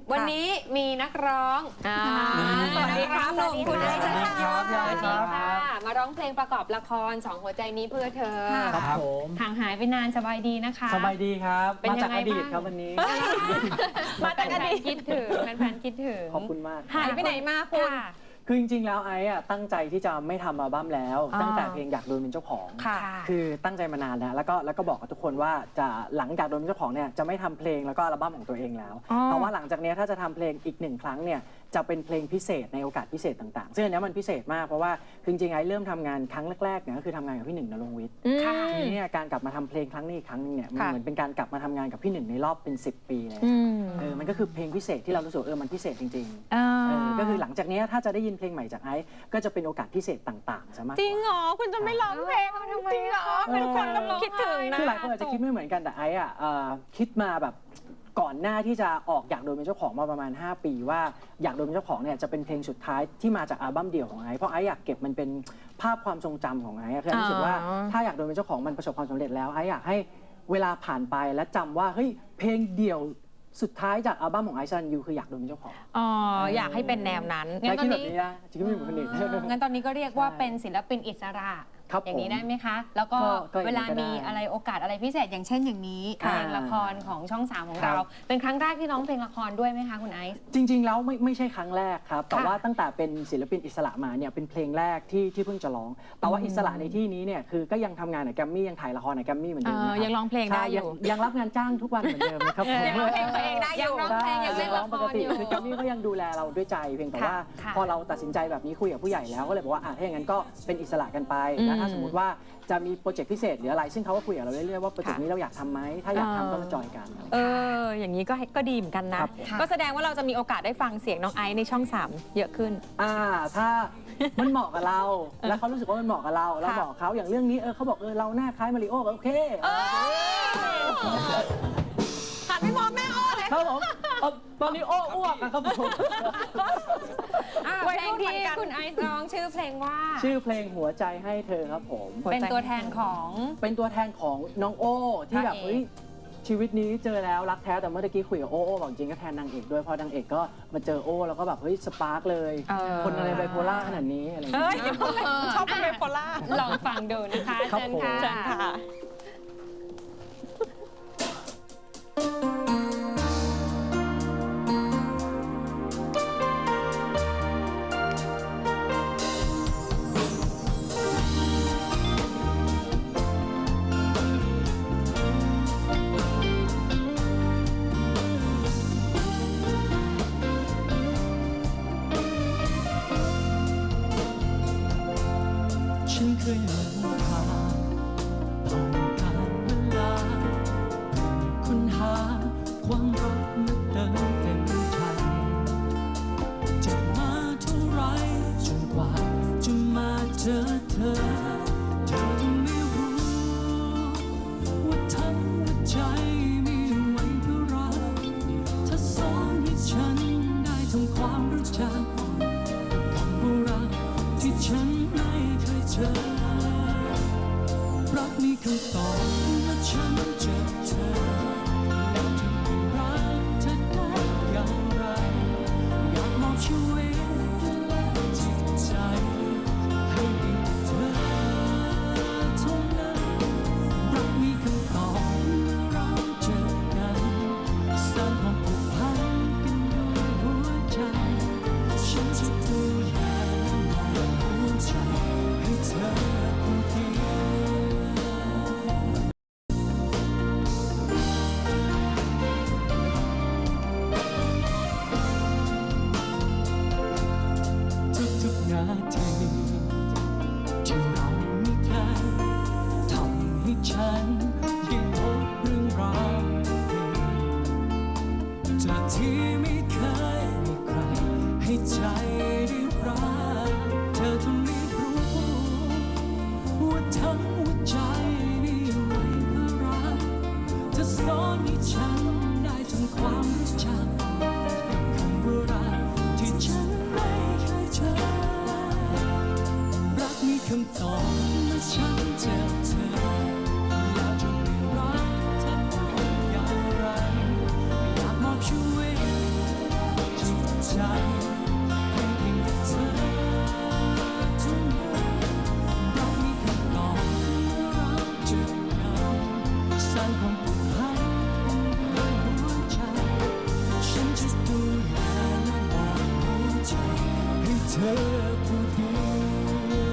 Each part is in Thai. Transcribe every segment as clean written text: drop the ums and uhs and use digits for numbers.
วันนี้มีนักร้องสวัสดีครับหนุ่มคุณไอซ์ค่ะสวัสดีค่ะมาร้องเพลงประกอบละครสองหัวใจนี้เพื่อเธอครับผมห่างหายไปนานสบายดีนะคะสบายดีครับเป็นยังไงบ้างมาจากอดีตครับวันนี้มาจากอดีตคิดถึงแฟนๆคิดถึงขอบคุณมากหายไปไหนมาคุณคือจริงๆแล้วไอ้ตั้งใจที่จะไม่ทำอัลบั้มแล้วตั้งแต่เพลงอยากโดนเป็นเจ้าของคือตั้งใจมานานแล้วก็บอกกับทุกคนว่าจะหลังจากโดนเป็นเจ้าของเนี่ยจะไม่ทำเพลงแล้วก็อัลบั้มของตัวเองแล้วแต่ว่าหลังจากนี้ถ้าจะทำเพลงอีก1 ครั้งเนี่ยจะเป็นเพลงพิเศษในโอกาสพิเศษต่างๆซึ่งอันนี้มันพิเศษมากเพราะว่าจริงๆไอ้เริ่มทำงานครั้งแรกๆเนี่ยก็คือทำงานกับพี่หนึ่งณรงค์วิทย์ทีนี้เนี่ยการกลับมาทำเพลงครั้งนี้อีกครั้งนึงเนี่ยมันเหมือนเป็นการกลับมาทำงานกับพี่หนึ่งในรอบเป็น10 ปีเลยมันก็คือเพลงพิเศษที่เรารู้สึกมันพิเศษจริงๆก็คือหลังจากนี้ถ้าจะได้ยินเพลงใหม่จากไอซ์ก็จะเป็นโอกาสพิเศษต่างๆซะมากจริงเหรอคุณจะไม่ร้องเพลงทำไมเหรอเป็นคนกำลังคิดถึงนะคือหลายคนอาจจะคิดไม่เหมือนกันแต่ไอซ์คิดมาแบบก่อนหน้าที่จะออกอยากโดนเป็นเจ้าของมาประมาณ5 ปีว่าอยากโดนเป็นเจ้าของเนี่ยจะเป็นเพลงสุดท้ายที่มาจากอัลบั้มเดี่ยวของไอซ์เพราะไอซ์อยากเก็บมันเป็นภาพความทรงจำของไอซ์คือรู้สึกว่าถ้าอยากโดนเป็นเจ้าของมันประสบความสำเร็จแล้วไอซ์อยากให้เวลาผ่านไปและจำว่าเฮ้ยเพลงเดี่ยวสุดท้ายจากอัลบั้มของไอซ์ซันยูคืออยากโดนเป็นเจ้าของอยากให้เป็นแนวนั้นงั้นตอนนี้นะจริงๆไม่เหมือนคนอื่นงั้นตอนนี้ก็เรียกว่าเป็นศิลปินอิสระอย่างนี้ได้ไหมคะแล้วก็เวลามีอะไรโอกาสอะไรพิเศษอย่างเช่นอย่างนี้เพลงละครของช่อง3ของเราเป็นครั้งแรกที่ร้องเพลงละครด้วยไหมคะคุณไอซ์จริงๆแล้วไม่ใช่ครั้งแรกครับแต่ว่าตั้งแต่เป็นศิลปินอิสระมาเนี่ยเป็นเพลงแรกที่เพิ่งจะร้องแต่ว่าอิสระในที่นี้เนี่ยคือก็ยังทำงานในแกรมมี่ยังถ่ายละครในแกรมมี่เหมือนเดิมยังร้องเพลงได้อยู่ยังรับงานจ้างทุกวันเหมือนเดิมนะครับยังร้องเพลงตัวเองได้อยู่ร้องเพลงยังเล่นละครอยู่คือแกรมมี่ก็ยังดูแลเราด้วยใจเพียงแต่ว่าพอเราตัดสินใจแบบนี้คุยกับผู้ใหญ่แล้วก็เลยบอกว่าถ้าอย่างนั้นก็เป็นอิสระกันไปแล้วถ้าสมมติว่าจะมีโปรเจกต์พิเศษหรืออะไรซึ่งเขาก็คุยกับเราเรื่อยๆว่าโปรเจกต์นี้เราอยากทำไหมถ้าอยากทำก็มาจอยกันอย่างนี้ก็ดีเหมือนกันนะก็แสดงว่าเราจะมีโอกาสได้ฟังเสียงน้องไอซ์ในช่อง3เยอะขึ้นถ้ามันเหมาะกับเราแล้วเขารู้สึกว่ามันเหมาะกับเราบอกเขาอย่างเรื่องนี้เขาบอกเราหน้าคล้ายมาริโอโอเคหันไปมองหน้าอ้อเลยครับผมตอนนี้อ้วกนะครับผมเพลงที่คุณไอซ์ร้องชื่อเพลงว่าชื่อเพลงหัวใจให้เธอครับผมเป็นตัวแทนของน้องโอ้ที่แบบชีวิตนี้เจอแล้วรักแท้แต่เมื่อกี้คุยกับโอ้บอกจริงก็แทนนางเอกด้วยเพราะนางเอกก็มาเจอโอ้แล้วก็แบบสปาร์กเลยคนอะไรไบโพล่าขนาดนี้อะไรอย่างเงี้ยชอบเป็นไบโพล่าลองฟังดูนะคะเชิญค่ะฉันเคยหลงทางผ่านการเวลาค้นหาความรักมาเติมเต็มใจเจ็บมาเท่าไรจนกว่าจะมาเจอเธอต้องไม่รู้ว่าทั้งหัวใจมีไว้เพื่อรักถ้าสอนให้ฉันได้ทำความรู้จักคำว่ารักที่ฉันไม่เคยเจอรักมีคำตอบเมื่อฉันเจอเธอแล้วจะไม่รักเธอได้อย่างไรอยากมอบชีวิตและจิตใจให้เธอเท่านั้นรักมีคำตอบเมื่อเราเจอกันสร้างความผูกพันกันด้วยหัวใจฉันจะดูแลหัวใจให้เธอคนเดียวอผู้เดียว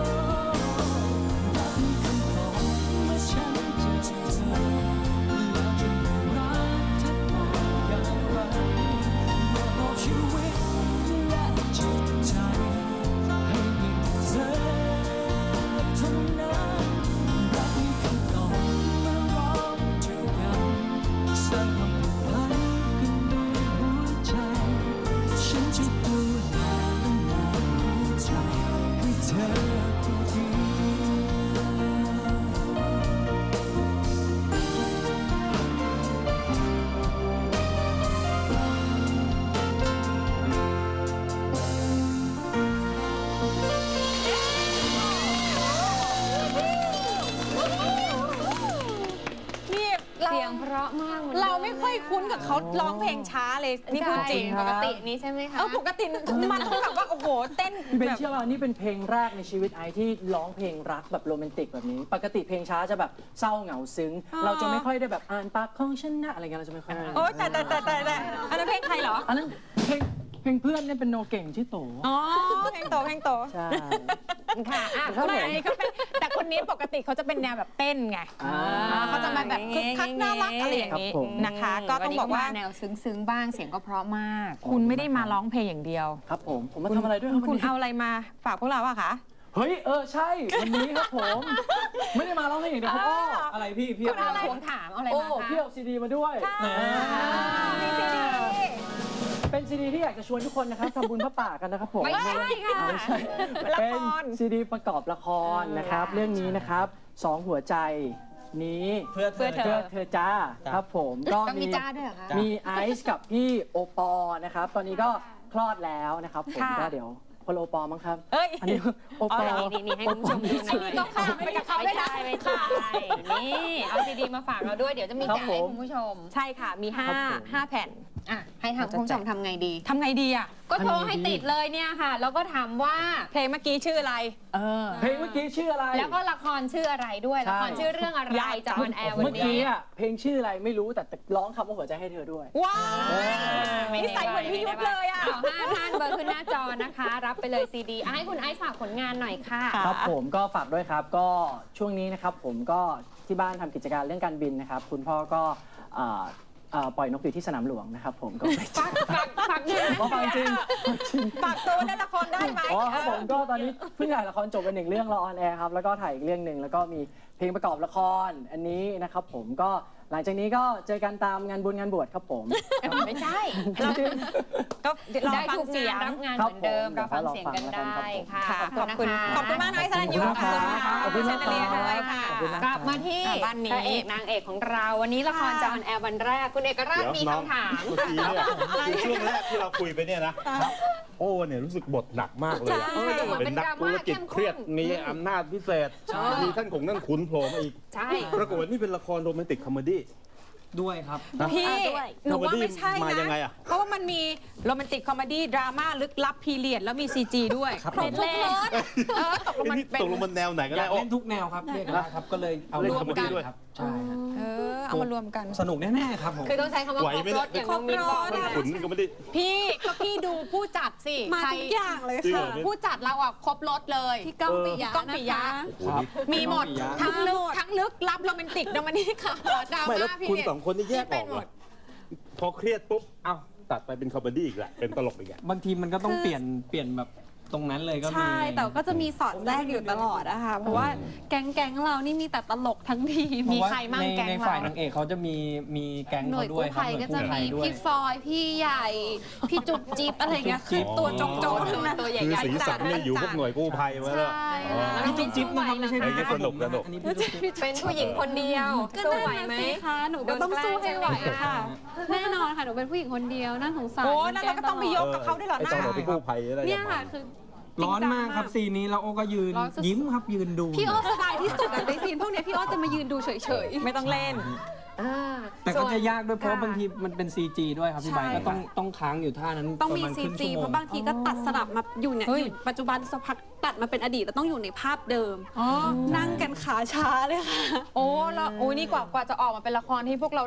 รักมีคำตอบเมื่อฉันเจอเธอแล้วจะรักเธอต่ออย่างไรบอกชีวิตและจิตใจให้มีเธอเท่านั้นรักมีคำตอบเมื่อเราเจอกันสร้างความผูกพันกันด้วยหัวใจฉันจะดูแลและมองหัวใจให้เธอผู้เดียวนี่เสียงเพราะมากหอนดิเราไม่ค่อยคุ้นกับเขาร้องเพลงช้าเลยนี่พูดจริงปกตินี้ใช่ไหมคะปกติมันต้องแบบว่าโอ้โหเต้นพี่เบนแบบเชื่อว่านี่เป็นเพลงแรกในชีวิตไอที่ร้องเพลงรักแบบโรแมนติกแบบนี้ ปกติเพลงช้าจะแบบเศร้าเหงาซึ้ง เราจะไม่ค่อยได้แบบอ่านปากของฉันนะอะไรเงี้ยเราจะไม่ค่อยโอ๊ยแต่อันนั้นเพลงใครเหรออันนั้นเพลงเพื่อนเนี่ยเป็นโนเก่งชื่อโตอ๋อเพลงโตใช่ค่ะอ่ะครับไม่ผมเขาเป็นแต่คนนี้ปกติเขาจะเป็นแนวแบบเต้นไงอ่าเขาจะมาแบบคึกคักน่ารักอะไรอย่างนี้ครับผมนะคะ ก็ต้องบอกว่าแนวซึ้งๆบ้างเสียงก็เพราะมากคุณไม่ได้มาร้องเพลงอย่างเดียวครับผมมาทำอะไรด้วยครับคุวัณนนี้เอาอะไรมาฝากพวกเราอะคะเฮ้ยใช่วันนี้ครับผม ไม่ได้มาร้องเพลงอย่างเดียวครับอะไรพี่คุณเอาอะไรทวงถามเอาอะไรโอ้มาคะพี่เอาซีดีมาด้วยมีซีดีเป็นซีดีที่อยากจะชวนทุกคนนะครับทำบุญพระป่ากันนะครับผมไม่ใช่ค่ะไม่ใช่ละครเป็นซีดีประกอบละครนะครับ เรื่องนี้นะครับสองหัวใจนี้เพื่อเธอเธอจ้าครับผมก็ต้องมีจ้าด้วยเหรอคะมีไอซ์กับพี่โอปอนะครับ ตอนนี้ก็คลอดแล้วนะครับผมค่ะก็เดี๋ยวคนละโอปอมั้งครับเอ้ยอันนี้โอปอนี่ให้คุณผู้ชมดูหน่อยต้องข้ามไปกับเขาไม่ได้ไม่ใช่นี่เอาซีดีมาฝากเราด้วยเดี๋ยวจะมีแจกให้คุณผู้ชมใช่ค่ะมีครับผม 5แผ่นอ่ะให้ทางคุณผู้ชมทำไงดีทำไงดีอะก็โทรให้ติดเลยเนี่ยค่ะ แล้วก็ถามว่าเพลงเมื่อกี้ชื่ออะไรเพลงเมื่อกี้ชื่ออะไรแล้วก็ละครชื่ออะไรด้วยใช่ละครชื่อเรื่องอะไรจะออนแอร์วันเมื่อนี้กี้อ่ะเพลงชื่ออะไรไม่รู้แต่ร้องคำว่าหัวใจให้เธอด้วยว้าวนิสัยเหมือนพี่ยุทธเลยอะเอา5ท่านเบอร์ขึ้นหน้าจอนะคะ รับไปเลยซีดีให้คุณไอซ์ฝากผลงานหน่อยค่ะครับผมก็ฝากด้วยครับก็ช่วงนี้นะครับผมก็ที่บ้านทำกิจการเรื่องการบินนะครับ คุณพ่อก็ปล่อยนกอยู่ที่สนามหลวงนะครับผมก็ไปฝากเงินอ๋อฟังจริงฝากตัวเล่นละครได้ไหมอ๋อครับผมก็ตอนนี้เพิ่งถ่ายละครจบไป1 เรื่องรอออนแอร์ครับแล้วก็ถ่ายอีกเรื่องหนึ่งแล้วก็มีเพลงประกอบละครอันนี้นะครับผมก็หลังจากนี้ก็เจอกันตามงานบุญงานบวชครับผมไม่ใช่ก็รอได้ฟังทุกเสียงานงรับงานเหมือนเดิมครัเราบผมฟังเสียงกันได้ค่ะค่ะขอบคุณนะคะขอบคุณมากนะไอ้สรัญยุขอบคุณครับขอบคุณขเชอบนคุณเลียครับด้วยค่ะขอบคุณนะกลับมาที่บ้านนี้พระเอกนางเอกของเราวันนี้ละครจะออนแอร์วันแรกคุณเอกราชมีคำถามเมื่อกี้เนี่ยคือช่วงแรกที่เราคุยไปเนี่ยนะโอ้เนี่ยรู้สึกบทหนักมากเลยอะใช่เป็นนักธุรกิจเครียดมีอำนาจพิเศษ มีท่านของนั่นขุนโผล่มาอีกใช่ปรากฏว่านี่เป็นละครโรแมนติกคอมเมดี้ด้วยครับพี่หนูว่าไม่ใช่มายันะงไงอะเพราะว่ามันมีโรแมนติกคอมเมดี้ดราม่าลึกลับพีเรียดแล้วมี CG ด้วยครับครบทุกรสตกลงมันนี่เป็นตกลงมันแนวไหนกันอยาแล้กวโอ้เล่นทุกแนวครับเรียกได้ครับก็เลยเอาเล่นรวมกันคอมเมดี้ด้วยครับใช่ฮะเอามารวมกันสนุกแน่ๆครับผมคือต้องใช้คำว่าไหวครบไหมรเนี่ยถอย่างน้องมินบอกครบรสนะขุนก็ไม่ได้พี่ก็พี่ดูผู้จัดสิมาทุกอย่างเลยจริงเหรค่ะอผู้จัดเราอ่ะครบรถเลยพี่ก้องปิยะก้องปิยะนะคะโอ้โหนี่มีหมดปิยะทั้งลึกลับโรแมนติกโรแมนติกค่ะดราไม่แล้วม่าพีคุณเรียดสองคนนี่แยกอเป็อน กหมเหรอดพอเครียดปุ๊บเอ้าตัดไปเป็นคอมเมดี้อีกแหละเป็นตลกอีกอะบางทีมันก็ต้องเปลี่ยนแบบตรงนั้นเลยก็มีใช่ แต่ก็จะมีสอดแทรกอยู่ตลอดอะค่ะ เพราะว่าแก๊งเรานี่มีแต่ตลกทั้งทีมเพราะว่าใครมั่งแก๊งในเราฝ่ายนางเอกเขาจะมีแก๊งหน่วเขายด้วยกู้ครับภัยหน่วยก็กู้จะภัมียด้วยพี่ฟอย พี่ใหญ่ พี่จุ๊บจิ๊บอะไรเงี้ย คือตัวโจกๆทั้งนั้นตัวใหญ่คือๆสีสันเนี่ยอยู่พวกหน่วยกู้ภัยไว้แล้วใช่อ๋อค่ะนี่จุ๊บจิ๊บนะครับไม่ใช่ไอ้นี่สนุกอันนี้พี่จุ๊บจิ๊บเป็นผู้หญิงคนเดียวก็สู้นั่นไหวน่ะไหมสิคะหนูก็ต้องสู้ให้ไหวค่ะ แน่นอนค่ะ หนูเป็นผู้หญิงคนเดียวน่าสงสารโอ้แล้วเราก็ต้องไปยกกับเขาด้วยเหรอไอ้นะตอนเราไปกู้ภัยอะไรเนี่ยอย่างค่ะเงี้ยคือร้อนมากครับซีนนี้แล้วโอ้ก็ยืนร้อนสุดๆยิ้มครับยืนดูพี่โอ้สบายที่สุดอะในซีนพวกเนี้ยพี่โอ้จะมายืนดูเฉยๆไม่ต้องเล่นแต่ก็ส่วนจะยากด้วยเพราะบางทีมันเป็น CG ด้วยครับพี่ใบร์ทก็ต้องค้างอยู่ท่านั้นต้องมีประาณครึ่ CG ชั่วโมเพราะบางทีก็ตัดสลับมาอยู่เนี่ยเฮ้ยอยู่ปัจจุบันสักพักตัดมาเป็นอดีตแล้วต้องอยู่ในภาพเดิม นั่งกันขาช้าเลยค่ะโอ้แล้วโอ้นี่กว่าจะออกมาเป็นละครที่พวกเราได้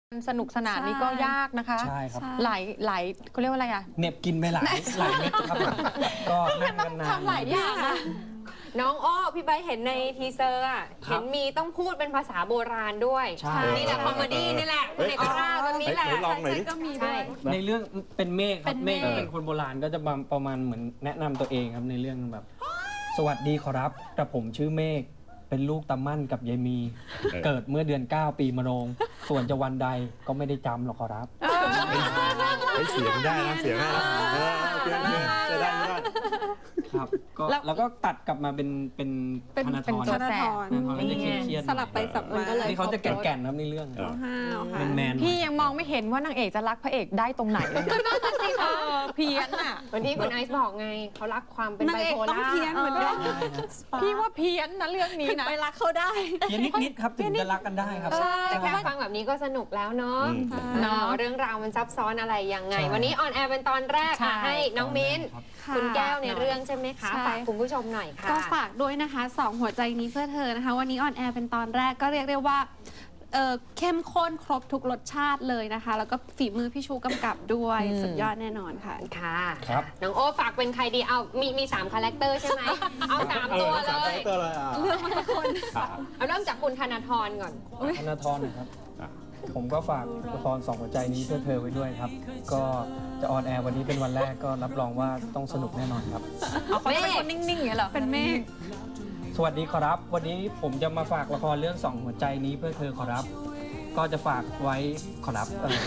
สนุกสนานนี่ก็ยากนะคะใช่ครับหลายเขาเรียกว่าอะไรอะเหน็บกินไปหลายเม็ดครับผมก็นั่งกันนานทำหลายอย่างนะน้องอ้อพี่ใบร์ทเห็นในทีเซอร์อะครัเห็บนมีต้องพูดเป็นภาษาโบราณด้วยใช่นี่แหละคอมเมดี้นี่แหละคุณเอกราชตรงนี้แหละไหนลองหน่อยดิก็มีด้ใช่วยในเรื่องเป็นเมฆครับเป็นเมเมฆฆเป็นคนโบราณก็จะประมาณเหมือนแนะนำตัวเองครับในเรื่องแบบ สวัสดีขอรับแต่ผมชื่อเมฆเป็นลูกตามั่นกับยายมี เกิดเมื่อเดือน 9 ปีมะโรง ส่วนจะวันใดก็ไม่ได้จำหรอกขอรับเสียงได้นะเสียงได้นะโอเคจะได้ไม่ได้ครับก็แล้วก็ตัดกลับมาเป็นธนาธเป็นรตัวธนาแสธบรธนาธรก็จะเครียดๆสลับไปสับมานี่เขาจะแก่นๆครับในเรื่องห้าวๆค่ะแมนๆพี่ยังมองไม่เห็นว่านางเอกจะรักพระเอกได้ตรงไหนเลยนะเพี้ยนอะวันที่คุณไอซ์บอกไงเขารักความเป็นนางไบเอกโพต้องล่าเพี้ยนเหมือนกันพี่ว่าเพี้ยนนะเรื่องนี้ถึงนะไปรักเขาได้เพี้ยนนิดๆครับถึงจะรักกันได้ครับแต่แค่ฟังแบบนี้ก็สนุกแล้วเนาะเนาะเรื่องราวมันซับซ้อนอะไรยังไงใช่วันนี้ออนแอร์เป็นตอนแรกใช่ให้น้องมิ้นค่ะคุณแก้วในเรื่องใช่ไหมคะใช่ฝากคุณผู้ชมหน่อยค่ะก็ฝากด้วยนะคะสองหัวใจนี้เพื่อเธอนะคะ วันนี้ออนแอร์เป็นตอนแรกก็เรียกได้ว่าเข้มข้นครบทุกรสชาติเลยนะคะ แล้วก็ฝีมือพี่ชูกำกับด้วย สุดยอดแน่นอนค่ะค่ะครับน้องโอ้ฝากเป็นใครดีเอามี3คาแรคเตอร์ใช่ไหมเอา3ตัวเลยเลือกมาสักคนเอาเริ่มจากคุณธนาธรก่อนธนาธรนะครับ ผมก็ฝากละครสองหัวใจนี้เพื่อเธอไว้ด้วยครับ ก็จะออนแอร์วันนี้เป็นวันแรกก็รับรองว่าต้องสนุกแน่นอนครับเขาจะเป็นคนนิ่งๆอย่างเงี้ยเหรอเป็นเมฆสวัสดีขอรับ วันนี้ผมจะมาฝากละครเรื่องสองหัวใจนี้เพื่อเธอขอรับ ก็จะฝากไว้ขอรับ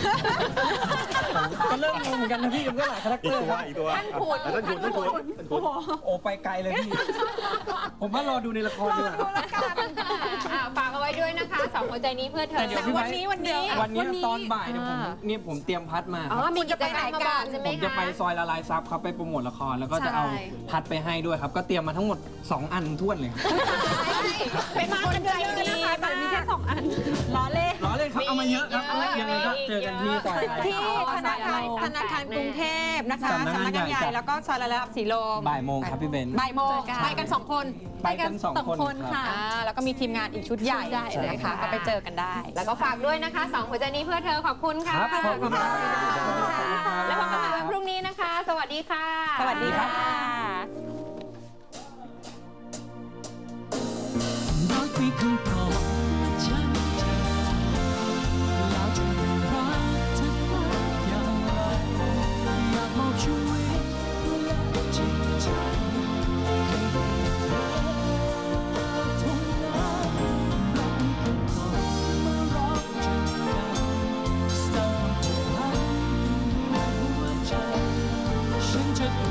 ก็เริ่มงงเหมือนกันนะพี่มันก็หลายคาแรคอีเตกอร์ตัวครับอีกตัวท่านขุนท่านขุนท่านขุนท่านขุนโอ้ไปไกลเลยพี่ ผมว่ารอดูในละครดีกว่าครับฝากเอาไว้ด้วยนะคะสองหัวใจนี้เพื่อเธแต่อเดี๋ยวพี่ไบร์ทวันนี้วันนี้ตอนบ่ายเนี่ยผมเตรียมพัดมาคอ๋อรับมีกิจกรรมมาบอกใช่ไหมผมจะคะไปซอยละลายซับครับไปโปรโมทละครแล้วก็จะเอาใช่พัดไปให้ด้วยครับ ก็เตรียมมาทั้งหมด 2 อันท้วนเลยครับเป็นคนใจดีนะคะแต่มีแค่2 อันล้อเล่นล้อเล่นครับเอามาเยอะครับมียังไงก็เจอกันที่ซอยละลายที่ซับธนาคารกรุงเทพนะคะสำนักงานใหญ่ใหญ่แล้วก็ซอยละลายสีลมบ่ายโมงครับพี่เบนบ่ายโมงเจอกันไปกัน2 คนไปกันสองคนค่ะแล้วก็มีทีมงานอีกชุดใหญ่ชุดใหญ่เลยนะคะค่ะก็ไปเจอกันได้แล้วก็ฝากด้วยนะคะสองหัวใจนี้เพื่อเธอขอบคุณค่ะครับขอบคุณครับแล้วพบกันใหม่วันพรุ่งนี้นะคะ สวัสดีค่ะสวัสดีค่ะรักมีคำตอบฉันเธอแล้วจะรักเธอได้อย่างไรอยากบอกช่วย